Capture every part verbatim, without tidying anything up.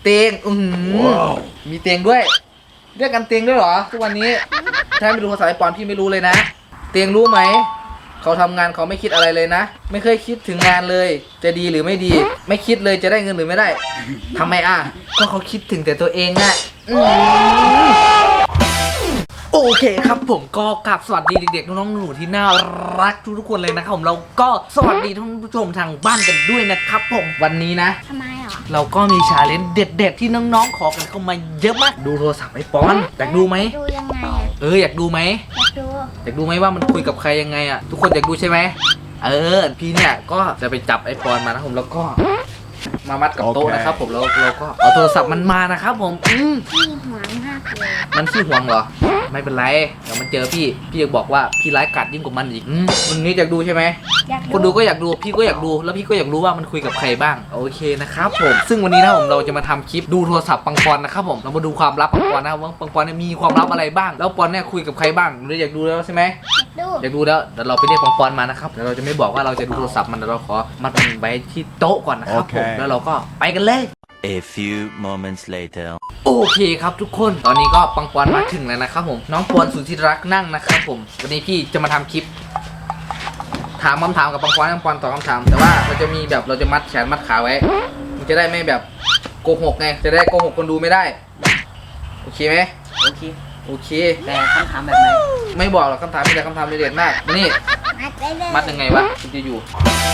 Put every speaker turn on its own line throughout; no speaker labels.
เตียงอืมมีเตียงด้วยเรียกกันเตียงด้วยเหรอทุกวันนี้ถ้าไม่ดูภาษาญี่ปุ่นพี่ไม่รู้เลยนะเตียงรู้ไหมเขาทำงานเขาไม่คิดอะไรเลยนะไม่เคยคิดถึงงานเลยจะดีหรือไม่ดีไม่คิดเลยจะได้เงินหรือไม่ได้ทำไมอ่ะก็เขาคิดถึงแต่ตัวเองอ่ะโอเคครับผมก็กลับสวัสดีเด็กๆน้องๆหนูๆที่น่ารักทุกๆคนเลยนะครับผมเราก็สวัสดีท่านผู้ชมทางบ้านกันด้วยนะครับผมวันนี้นะ
ทำไมหรอ
เราก็มีชาเลนจ์เด็ดๆที่น้องๆขอกันเข้ามาเยอะมากดูโทรศัพท์ไอ้ปอนอยากดูไหม
ดูยังไงอ่ะ
เอออยากดูไหม
อยากดู
อยากดูไหมว่ามันคุยกับใครยังไงอ่ะทุกคนอยากดูใช่ไหมเออพี่เนี่ยก็จะไปจับไอ้ปอนมานะผมแล้วก็มามัดกับโต๊ะนะครับผมแล้วเราก็เอาโทรศัพท์มันมานะครับผมอืม
ขี้หวงมากเลย
มันขี้หวงเหรอไม่เป็นไรเดี๋ยวมันเจอพี่พี่จะบอกว่าพี่ร้ายกาจยิ่งกว่ามันอีกอืมวันนี้อยากดูใช่ไหม
อยากดู
คนดูก็อยากดูพี่ก็อยากดูแล้วพี่ก็อยากรู้ว่ามันคุยกับใครบ้างโอเคนะครับผมซึ่งวันนี้นะผมเราจะมาทำคลิปดูโทรศัพท์ปังปอนนะครับผมเรามาดูความลับปังปอนนะครับว่าปังปอนเนี่ยมีความลับอะไรบ้างแล้วปอนเนี่ยคุยกับใครบ้างหรืออยากดูแล้วใช่ไหม
อยากดู
อยากดูแล้วเดี๋ยวเราไปเรียกปังปอนมานะครับเดี๋ยวเราจะไม่บอกว่าเราจะดูโทรศัพท์มันเดี๋ยวเราขอมัดมันไว้ที่โต๊ะก่อนนะครับผมแล้วเราก็ไปกันเลย
A few moments later
โอเคครับทุกคนตอนนี้ก็ปังปอนมาถึงแล้วนะครับผมน้องปอนสุดที่รักนั่งนะครับผมวันนี้พี่จะมาทำคลิปถามคำถามกับปังปอนปังปอนตอบคำถามแต่ว่าเราจะมีแบบเราจะมัดแขนมัดขาไว้มันจะได้ไม่แบบโกหกไงจะได้โกหกคนดูไม่ได้โอเคไหม
โอเค
โอเค
แต่คำถามแบบไหน
ไม่บอกหรอกคำถามมีแต่คำถามเด็ดๆมากนี่
มัดไปเลย
มัดยังไงวะคุณจะอยู่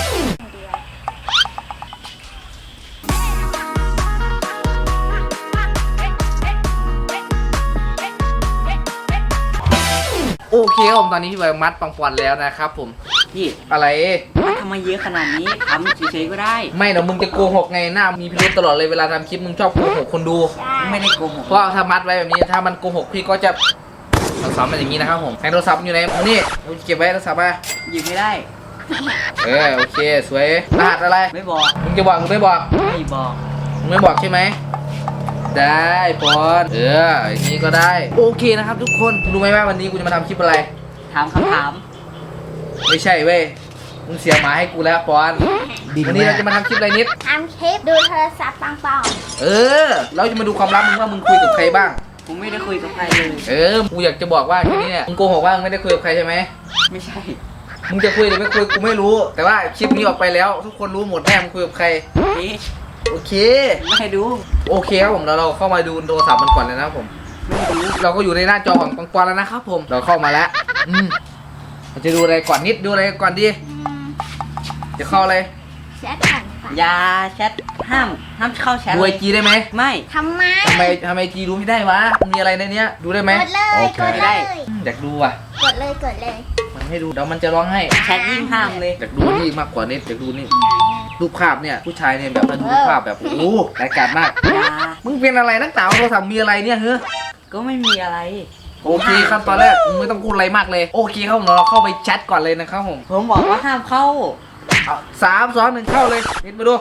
โอเคครับผมตอนนี้พี่ใบมัดปังปอนแล้วนะครับผม
พี่
อะไร
มันทำไมเยอะขนาดนี้ทำเฉยๆก็ได้
ไม่เดี๋ยวมึงจะโกหกไงหน้ามีพิรุธตลอดเลยเวลาทำคลิปมึงชอบโกหกคนดู
ไม่ได้โกหก
เพราะถ้ามัดไว้แบบนี้ถ้ามันโกหกพี่ก็จะสอนมันอย่างนี้นะครับผมให้โทรศัพท์อยู่ไหนนี่เก็บไว้โทรศัพท์มา
หยิบไม่ได้
เออโอเคสวยรหัสอะไร
ไม่บอก
มึงจะบอกหรือไม่บอก
ไม่บอก
มึงไม่บอกใช่ไหมได้ปอนเอออย่างนี้ก็ได้โอเคนะครับทุกคนรู้ไหมว่าวันนี้กูจะมาทำคลิปอะไร
ถามคำถาม
ไม่ใช่เว้ยมึงเสียหมาให้กูแล้วปอนวันนี้เราจะมาทำคลิปอะไรนิด
ทำคลิปดูโทรศัพท์ปังปอน
เออเราจะมาดูความลับมึงว่ามึงคุยกับใครบ้าง
ผมไม่ได้คุยกับใครเลย
เออกูอยากจะบอกว่าแค่นี้เนี่ยมึงโกหกว่ามึงไม่ได้คุยกับใครใช่ไหม
ไม่ใช่
มึงจะคุยหรือไม่คุยกูไม่รู้แต่ว่าคลิปนี้ออกไปแล้วทุกคนรู้หมดแน่มึงคุยกับใครโอเค
ไม่ให้ดู
โอเคครับผมเราเราเข้ามาดูโทรศัพท์มันก่อนเลยนะครับผมเราก็อยู่ในหน้าจอของปังปอนแล้วนะครับผมเราเข้ามาแล้วอืมเราจะดูอะไรก่อนนิดดูอะไรก่อนดีจะเข้าอะไร
แชทก่อน
อย่าแชทห้ามห้ามเข้าแชท
ดูไอจีได้ไหม
ไม่
ทำไม
ทำไมทำไมจีดูไม่ได้วะมีอะไรในเนี้ยดูได้ไหม
กดเลยกดเลย
อยากดูอ่ะ
กดเลยกดเลย
มันให้ดูเดี๋ยวมันจะร้องให้
แชทยิ่งห้ามเลย
อยากดูนี่มากกว่านี้อยากดูนี่รูปภาพเนี่ยผู้ชายเนี่ยแบบมันรูปภาพแบบโอ้โหรายการมากมึงเป็นอะไรนักหนาโทรศัพท์มีอะไรเนี่ยเฮ้ย
ก็ไม่มีอะไร
โอเคครับตอนแรกมึงไม่ต้องพูดอะไรมากเลยโอเคครับผมเราเข้าไปแชทก่อนเลยนะครับผม
ผมบอกว่าห้ามเข้า
สามสองหนึ่งเข้าเลยนิดมาดู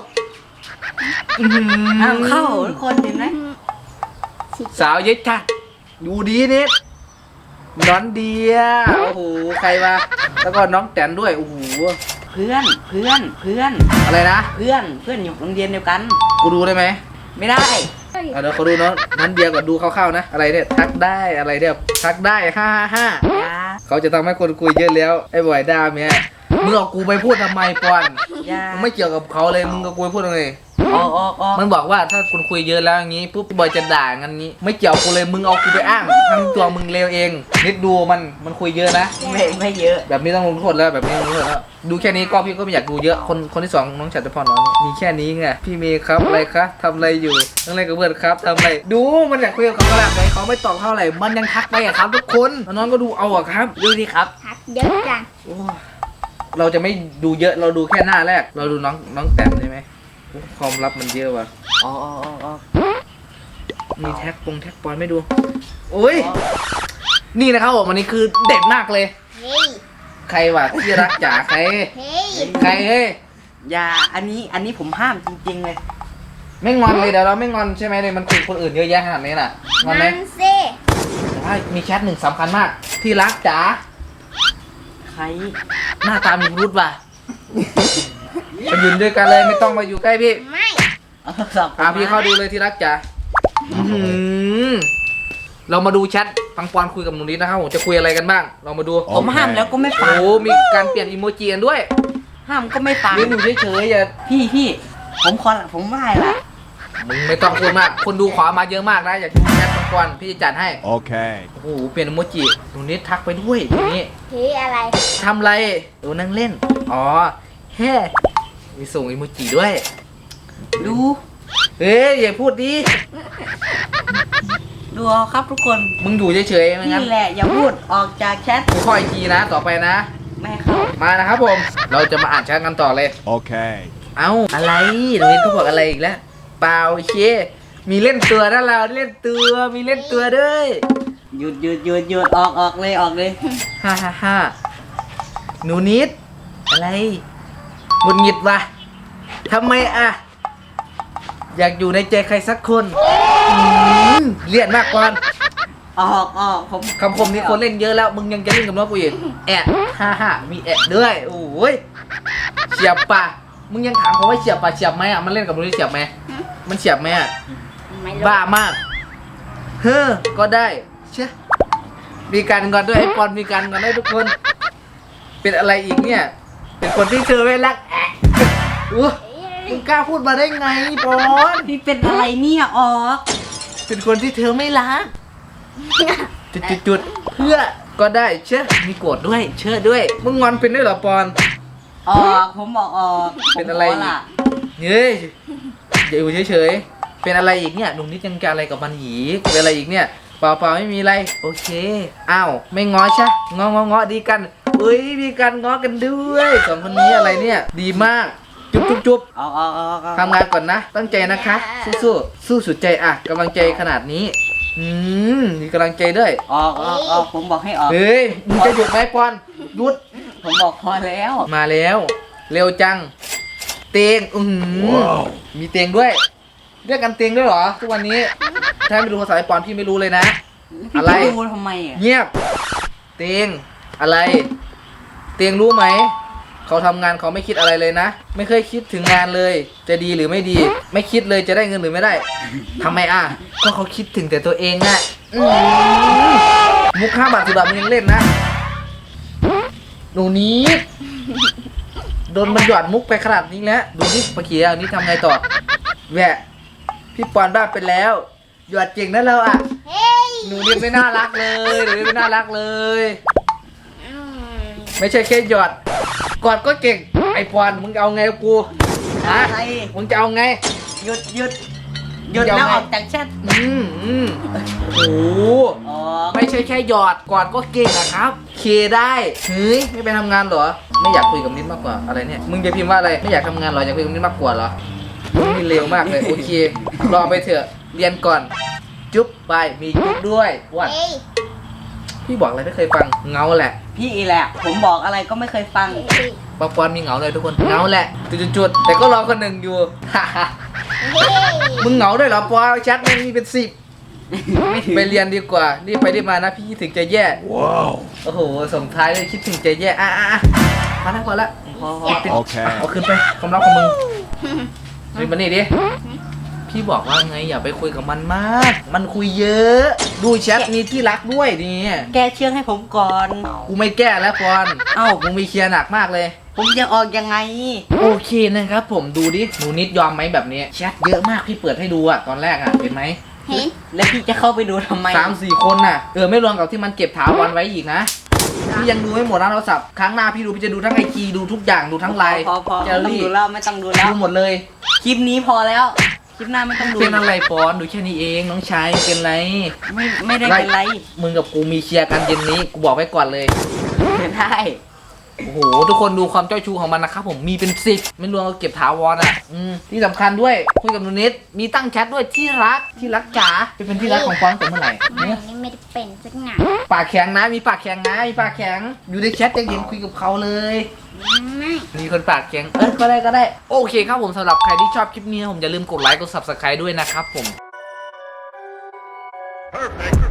ห้ามเข้าทุกคนเห็นไหม
สาวเย็ดจ้ะดูดีนิดน้องเดียโอ้โหใครมาแล้วก็น้องแตนด้วยโอ้โห
เพื่อนเพื่อนเพื่อน
อะไรนะ
เพื่อนเพื่อนอยู่โรงเรียนเดียวกัน
กูดูได้ไหม
ไม่ได้
เดี๋ยวเขาดูน้องนั้นเดียก่อนดูคร่าวๆนะอะไรเนี่ยทักได้อะไรเนี่ยทักได้ห้าห้าเขาจะทำให้คนคุยเยอะแล้วไอ้บอยดาเนี่ยมึงเอากูไปพูดทำไมปอนมึงไม่เกี่ยวกับเขาเลยมึงกับกูไปพูดอะไร
ออกออกออก
มันบอกว่าถ้าคุณคุยเยอะแล้วอย่างนี้ปุ๊บบอยจะด่างั้นนี้ไม่เกี่ยวกูเลยมึงเอากูไปอ้างทั้งตัวมึงเลวเองนิดดูมันมันคุยเยอะนะ
ไม่ไม่เยอะ
แบบนี้ต้องลงโทษแล้วแบบนี้ลงโทษแล้วดูแค่นี้ก็พี่ก็ไม่อยากดูเยอะคนคนที่สองน้องฉัตรพรน้องมีแค่นี้ไงพี่เมย์ครับอะไรคะทำอะไรอยู่ต้องอะไรกับเพื่อนครับทำอะไรดูมันอยากคุยกับเขาแบบไหนเขาไม่ตอบเท่าไหร่มันยังทักไปอะครับทุกคนน้องก็ดูเอาอะครับ
ดูดิครับ
ทักเยอะจัง
เราจะไม่ดูเยอะเราดูแค่หน้าแรกเราดูน้องน้องแต้มใช่ไหมความลับมันเยอะว่ะ
อ๋ออ๋ออ๋อ
มีแท็กปงแท็กปอนไม่ดูโอ้ยนี่นะครับผมวันนี้คือเด็ดมากเลยใครวะที่รักจ๋าใครใครเฮ้ย
อย่าอันนี้อันนี้ผมห้ามจริงๆเลย
ไม่งอนเลยเดี๋ยวเราไม่งอนใช่ไหมเลยมันคุยคนอื่นเยอะแยะขนาดนี้น่ะงอนไหมแต่ว่ามีแชทหนึ่งสำคัญมากที่รักจ๋า
ใคร
หน้าตามีรุดว่ะมายืนด้วยกันเลยไม่ต้องมาอยู่ใกล้พี่
ไม่
เอาโทรศัพท์ผม
อ่ะพี่
มา
เข้าดูเลยที่รักจ๋าอื้อหือเรามาดูแชทปังปอนคุยกับหนูนิดนะครับผมจะคุยอะไรกันบ้างเรามาดู
ผมห้ามแล้วก็ไม่ฟัง
โอ้มีการเปลี่ยนอีโมจิกันด้วย
ห้ามก็ไม่ฟัง
นี่หนูเฉยๆอย่า
พี่พี่ผมขอละผมไหว้ละ
มึงไม่ต้องพูดมากคนดูขอมาเยอะมากนะอยากดูแชทปังปอนพี่จะจัดให้
Okay.
โอ้โหเปลี่ยนอีโมจิหนูนิดทักไปด้วยทีนี้
ผีอะไร
ทำไรโอ้นั่งเล่นอ๋อแฮ่มีส่งอีโมจิด้วย
ดู
เฮ้ยอย่าพูดดิ
ดูเอาครับทุกคน
มึงอยู่เฉยๆไม่งั้น
นี่แหละอย่าพูดออกจากแชท
กูคอยทีนะต่อไปนะ
แม่เข้า
มานะครับผม เราจะมาอ่านแชทกันต่อเลย
Okay.
เอ้าอะไรหนูนิดเขาบอกอะไรอีกแล้วเปล่าเชมีเล่นตัวนะเราเล่นตัวมีเล่นตัวด้วย
หยุดหยุดหยุดหยุดออกออกเลยออกเลย
ฮ่าฮ่าฮ่าหนูนิดอะไรหงุดหงิดวะทำไมอะอยากอยู่ในใจใครสักคนอืมเลียนมากก่อน
ออกออกผม
คำคมนี้คนเล่นเยอะแล้ว มึงยังจะเล่นกับน้องกูอีกแอะฮ่าฮ่ามีแอะด้วยโอ้ยเฉียบปะมึงยังถามเขาว่าเฉียบปะเฉียบไหมอะมันเล่นกับมึงได้เฉียบไหมมันเฉียบไหมอะ
ไม่รู้
บ้ามาก เฮ้อ ก็ได้ เช่มีการงอนด้วยไอ้ปอนมีการงอนได้ทุกคน เป็นอะไรอีกเนี่ย เป็นคนที่เธอไม่รักแอะอู้มึงกล้าพูดมาได้ไงปอน
พี่เป็นอะไรเนี่ยออก
เป็นคนที่เธอไม่รัก จุดจุดจุดเพื่อ ก็ได้ เช่มีโกรธด้วย เชื่อด้วย มึงงอนเป็นด้วยเหรอปอน
ออกผมบอกออก
เป็นอะไร
ผมขล่ะ
เฮ้ยอย่าอยู่เฉยๆ เป็นอะไรอีกเนี่ยหนุ่มนิดยังการอะไรกับมันอีกเป็นอะไรอีกเนี่ย เปล่าเปล่าไม่มีอะไร โอเค อ้าว ไม่ง้อใช่งององอดีกันเอ้ย มีการง้อกันด้วยสองคนนี้อะไรเนี่ย ดีมาก จุ๊บจุ๊บจุ๊บ
ออกออกออกออก
ทำงานก่อนนะ ตั้งใจนะคะ สู้สู้สู้สุดใจอ่ะกำลังใจขนาดนี้ อืม มีกำลังใจด้วย
ออกออกออกผมบอกให้ออก
เฮ้ย มึงจะหยุดไหมปอนหยุด
ผมบอกพอแล้ว
มาแล้ว เร็วจัง เตียงอือหือมีเตียงด้วยเรียกกันเตียงด้วยเหรอทุกวันนี้ ถ้าไม่รู้ภาษาไอปอนพี่ไม่รู้เลยนะ
พี่
อะไร
จะดูทำไมอ่ะ
เงียบ เตียงอะไร เตียงรู้ไหม เขาทำงานเขาไม่คิดอะไรเลยนะ ไม่เคยคิดถึงงานเลย จะดีหรือไม่ดี ไม่คิดเลยจะได้เงินหรือไม่ได้ทำไมอ่ะ ก็เขาคิดถึงแต่ตัวเองอะอื้อหือมุกห้าบาทสิบบาทมันยังเล่นนะ หนูนี้โดนมันหยอดมุกไปขนาดนี้แล้วดูนี่ปะเขียวนี่ทำไงต่อแหวะพี่ปอนบ้าไปแล้วหยอดเก่งนะเราอ่ะ
เฮ้ย
หนูนี่ไม่น่ารักเลยหนูนี่ไม่น่ารักเลย
อืม
ไม่ใช่แค่หยอดกอดก็เก่งไอปอนมึงจะเอาไงกับกูฮะ
อะไร
มึงจะเอาไง
หยุดหยุดหยุด
ยอม
แล้ว
ไหม
ออกจากแชท
อืมอืมโอ้โห
ออก
ไม่ใช่แค่หยอดกอดก็เก่งนะครับ เคได้เฮ้ยไม่ไปทำงานเหรอ ไม่อยากคุยกับนิดมากกว่าอะไรเนี่ยมึงจะพิมพ์ว่าอะไรไม่อยากทำงานเหรออยากคุยกับนิดมากกว่าเหรอมึงนี่เร็วมากเลยโอเครอไปเถอะเรียนก่อน จุ๊บไปมีจุ๊บด้วยวัด
เฮ้ย
พี่บอกอะไรไม่เคยฟังเงาแหละ
พี่อีแหละ ผมบอกอะไรก็ไม่เคยฟัง
เฮ้ย
ปอปอนมีเหงาเลยทุกคนเงาแหละจุดๆๆแต่ก็รอคนหนึ่งอยู่
เฮ้ย
มึงเหงาด้วยเหรอปอแชทมันมีเป็นสิบไปเรียนดีกว่ารีบไปรีบมานะพี่คิดถึงใจแย่
Wow.
โอ้โหส่งท้ายเลยคิดถึงใจแย่อ่ะอ่ะอ่ะพอแล้วพอแล้ว
พอ
Okay.
เอาคืนไปความรักของมึงนี่มานี่ดิพี่บอกว่าไงอย่าไปคุยกับมันมาก มันคุยเยอะ ดูแชทมีที่รักด้วยนี่
แกเชื่องให้ผมก่อน
กูไม่แก้แล้วปอน
เอ้า
มึงมีเคลียร์หนักมากเลย
ผมจะออกยังไง
โอเคนะครับผมดูดิหนูนิดยอมไหมแบบนี้แชทเยอะมากพี่เปิดให้ดูอะตอนแรกอะเห็นไหม
เห็น
แล้วพี่จะเข้าไปดูทำไม
สามสี่คนน่ะเออไม่รวมกับที่มันเก็บถาวรไว้อีกนะพี่ยังดูไม่หมดนะโทรศัพท์ครั้งหน้าพี่ดูพี่จะดูทั้งไอจีดูทุกอย่างดูทั้งไลน์
พอพอ
เจ
ไม่
อ
ต้อง
รี่
ดูแล้วไม่ต้องดูแล้ว
ดูหมดเลย
คลิปนี้พอแล้ว คลิปหน้าไม่ต้องดู
เป็นอะไรปอนดูแค่นี้เองน้องชายเป็นไร
ไม่ไม่ได้เป็นไร
มึงกับกูมีเคลียร์กันเย็นนี้กูบอกไว้ก่อนเลย
เป็นได้
โอ้โหทุกคนดูความเจ้าชู้ของมันนะครับผมมีเป็นสิบไม่รวมกับเก็บถาวรอ่ะอืมที่สำคัญด้วยคุยกับหนูนิดมีตั้งแชทด้วยที่รักที่รักจ๋าไปเป็นที่รักของปอนตั้งแต่เมื่อไหร่
ไม่
เนี่ย
นี่ไม่ได้เป็นสักหน่อย
ปากแข็งนะมีปากแข็งนะมีปากแข็งอยู่ในแชทยังเห็นคุยกับเขาเลย
ไม่
มีคนปากแข็งเออก็ได้ก็ได้โอเคครับผมสำหรับใครที่ชอบคลิปนี้ผมอย่าลืมกดไลค์กด ซับสไครบ์ ด้วยนะครับผม
Perfect.